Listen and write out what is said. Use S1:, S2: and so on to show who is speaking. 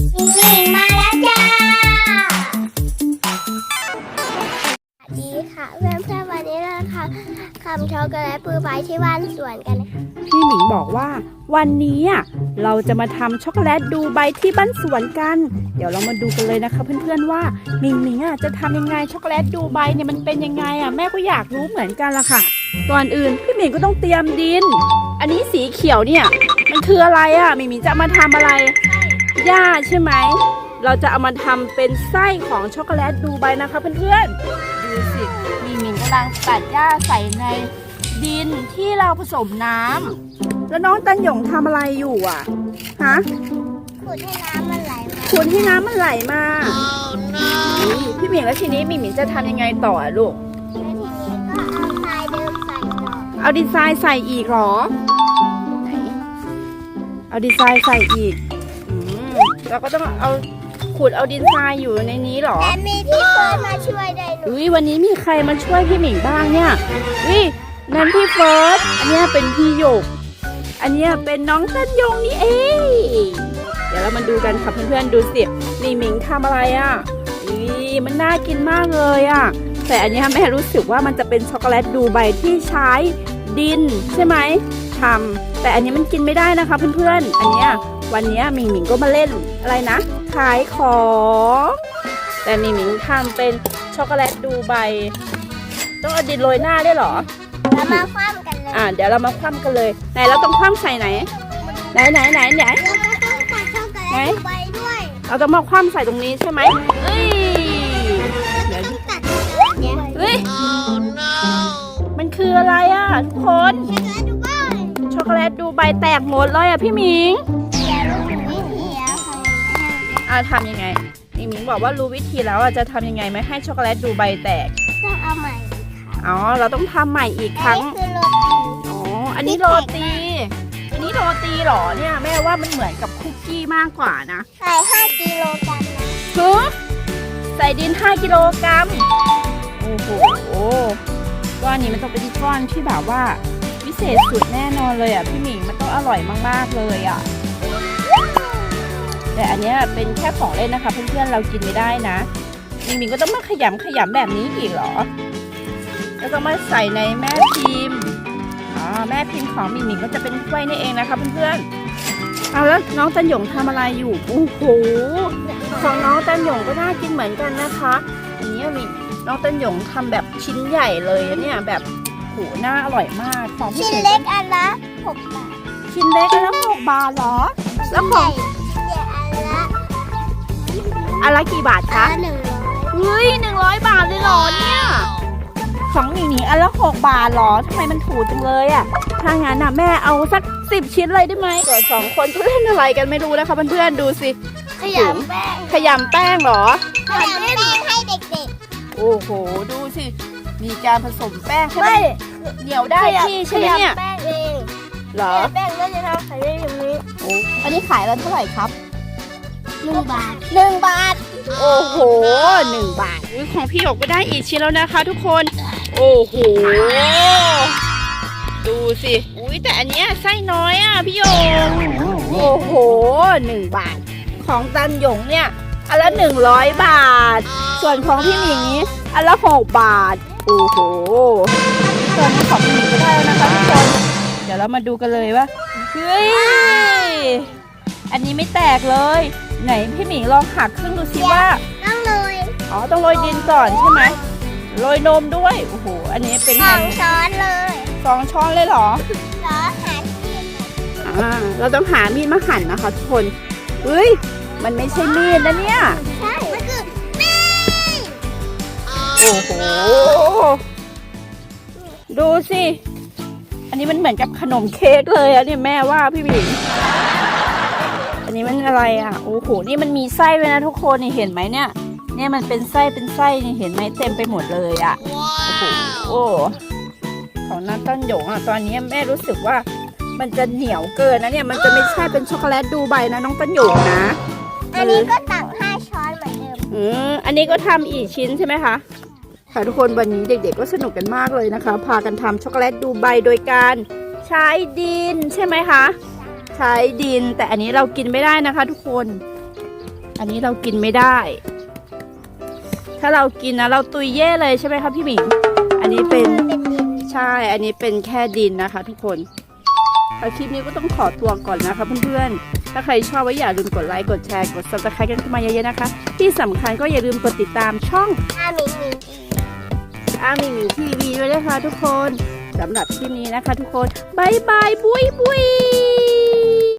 S1: มิงมาแล้วจ้าสวัสดีค่ะเพื่อนๆวันนี้เราทำช็อกโกแลตบลูไบที่บ้านสวนกันค่ะ
S2: พี่หมิงบอกว่าวันนี้เราจะมาทำช็อกโกแลตดูไบที่บ้านสวนกันเดี๋ยวเรามาดูกันเลยนะคะเพื่อนๆว่าหมิงจะทำยังไงช็อกโกแลตดูไบเนี่ยมันเป็นยังไงแม่ก็อยากรู้เหมือนกันละค่ะก่อนอื่นพี่หมิงก็ต้องเตรียมดินอันนี้สีเขียวเนี่ยมันคืออะไรหมิงจะมาทำอะไรหญ้าใช่ไหมเราจะเอามาทำเป็นไส้ของช็อกโกแลตดูไบนะคะเพื่อนๆดูสิหมิงกำลังตัดหญ้าใส่ในดินที่เราผสมน้ำแล้วน้องตันหยงทำอะไรอยู่ฮะ
S1: ขุดให้น้ำมันไหลมา
S2: ขุดให้น้ำมันไหลมาพี่หมิงแล้วทีนี้หมิงจะทำยังไงต่อลูก
S1: แล้วทีนี้ก็เอาทรายเดิมใส่ต่อ
S2: เอาดินทรายใส่อีกเหรอไหนเอาดินทรายใส่อีกเราก็ต้องเอาขุดเอาดินทรายอยู่ในนี้เหรอ
S1: แต่มีพี่เฟิร์สมาช่วยได้หนู
S2: วันนี้มีใครมาช่วยพี่หมิงบ้างเนี่ยนั่นพี่เฟิร์สอันนี้เป็นพี่หยกอันนี้เป็นน้องตันยงนี่เองเดี๋ยวเรามาดูกันค่ะเพื่อนๆดูสินี่หมิงทำอะไรมันน่ากินมากเลยแต่อันนี้แม่รู้สึกว่ามันจะเป็นช็อกโกแลตดูไบที่ใช้ดินใช่ไหมทำแต่อันนี้มันกินไม่ได้นะคะเพื่อนๆอันนี้วันนี้หมิงก็มาเล่นอะไรนะขายของแต่หมิงทำเป็นช็อกโกแลตดูไบต้องเอาดินโรยหน้าได้หรอ
S1: เรามาคว่ำกันเลย
S2: เดี๋ยวเรามาคว่ำกันเลยไหนเราต้องคว่ำใส่ไหนไหน
S1: เราต้องใส่ช็อกโกแลตดูไบด้วย
S2: เราต้องมาคว่ำใส่ตรงนี้ใช่ไหมเดี๋ยวมันคืออะไรทุกคนช็อกโกแลตดูไบแตกหมดเลยพี่หมิงทำยังไงหมิงบอกว่ารู้วิธีแล้วจะทำยังไงไม่ให้ช็อกโกแลตดูไบแตก
S1: ต้องเอาใหม่
S2: เราต้องทำใหม่อีกครั้งอันนี้โรตีเหรอเนี่ยแม่ว่ามันเหมือนกับคุกกี้มากกว่านะ
S1: ใส่5 กิโลกรัมนะ
S2: ใส่ดิน5 กิโลกรัมโอ้โหก้อนนี้มันต้องเป็นก้อนที่แบบว่าวิเศษสุดแน่นอนเลยพี่หมิงมันต้องอร่อยมากๆเลยแต่อันนี้เป็นแค่ของเล่นนะคะเพื่อนๆเรากินไม่ได้นะหมิงก็ต้องมาขยำแบบนี้อีกเหรอแล้วก็มาใส่ในแม่พิมพ์แม่พิมพ์ของหมิงก็จะเป็นถ้วยนี่เองนะคะเพื่อนๆแล้วน้องตันหยงทำอะไรอยู่โอ้โหของน้องตันหยงก็น่ากินเหมือนกันนะคะอันนี้น้องตันหยงทำแบบชิ้นใหญ่เลยเนี่ยแบบโหน่าอร่อยมากของ
S1: ชิ้นเล็กอันละ6 บาท
S2: ชิ้นเล็กอันละ6 บาทเหรอแล้วของอันละกี่บาทคะ100 บาทเลยเหรอเนี่ยของหมิงอันละ6 บาทเหรอทำไมมันถูกจังเลยถ้างั้นแม่เอาสัก10 ชิ้นเลยได้ไหมส่วน2 คนก็เล่นอะไรกันไม่รู้นะคะเพื่อนๆดูสิ
S1: ขยำแ
S2: ป้งเหรอ
S1: ขยำแป้งให้เด็ก
S2: ๆโอ้โหดูสิมีการผสมแป้งให้เหนียวได้ที่ใช่ไหมเนี่ย
S1: แป้งเอง
S2: เหรอ
S1: แป้งก็จะทำขายได้อย่างนี้
S2: อันนี้ขายแล้วเท่าไหร่ครับ
S1: 1 บาท
S2: โอ้โห1 บาทของพี่หยกก็ได้อีกชิ้นแล้วนะคะทุกคนโอ้โหดูสิแต่อันเนี้ยไส้น้อยพี่หยกโอ้โห1 บาทของตันหยงเนี่ยอันละ100 บาทส่วนของพี่หมิงนี้อันละ6 บาทโอ้โหส่วนของพี่หมิงก็ได้แล้วนะคะทุกคนเดี๋ยวเรามาดูกันเลยว่าอันนี้ไม่แตกเลยไหนพี่หมิงลองหักครึ่งดูสิว่า
S1: ต้องโรย
S2: ต้องโรยดินก่อนใช่ไหมโรยนมด้วยโอ้โหอันนี้เป็น
S1: 2 ช้อนเลย
S2: 2 ช้อนเลยเหรอ
S1: หามีด
S2: เราต้องหามีดมาหั่นนะคะทุกคนมันไม่ใช่มีดนะเนี่ย
S1: ใช่มันคือมีด
S2: โอ้โหดูสิอันนี้มันเหมือนกับขนมเค้กเลยเนี่ยแม่ว่าพี่หมิงอันนี้มันอะไรโอ้โหนี่มันมีไส้ด้วยนะทุกคนนี่เห็นไหมเนี่ยมันเป็นไส้นี่เห็นไหมเต็มไปหมดเลยโอ้โหของน้าต้นหยงตอนนี้แม่รู้สึกว่ามันจะเหนียวเกินนะเนี่ยมันจะไม่ใช่เป็นช็อกโกแลตดูไบนะน้องต้นหยงนะ
S1: อันนี้ก็ตัก5 ช้อนเหมือนเดิ
S2: มอันนี้ก็ทำอีกชิ้นใช่ไหมคะค่ะทุกคนวันนี้เด็กๆก็สนุกกันมากเลยนะคะพากันทำช็อกโกแลตดูไบโดยการใช้ดินใช่ไหมคะใช้ดินแต่อันนี้เรากินไม่ได้นะคะทุกคนอันนี้เรากินไม่ได้ ถ้าเรากินนะเราตุยเย่เลยใช่ไหมคะพี่หมิงอันนี้เป็นใช่อันนี้เป็นแค่ดินนะคะทุกคนคลิปนี้ก็ต้องขอตัวก่อนนะคะเพื่อนๆถ้าใครชอบก็อย่าลืมกดไลค์กดแชร์กด Subscribe กันเข้ามาเยอะๆนะคะที่สำคัญก็อย่าลืมกดติดตามช่อง หมิงหมิงทีวีด้วยนะคะทุกคนสำหรับคลิปนี้นะคะทุกคนบายบายบุยบุย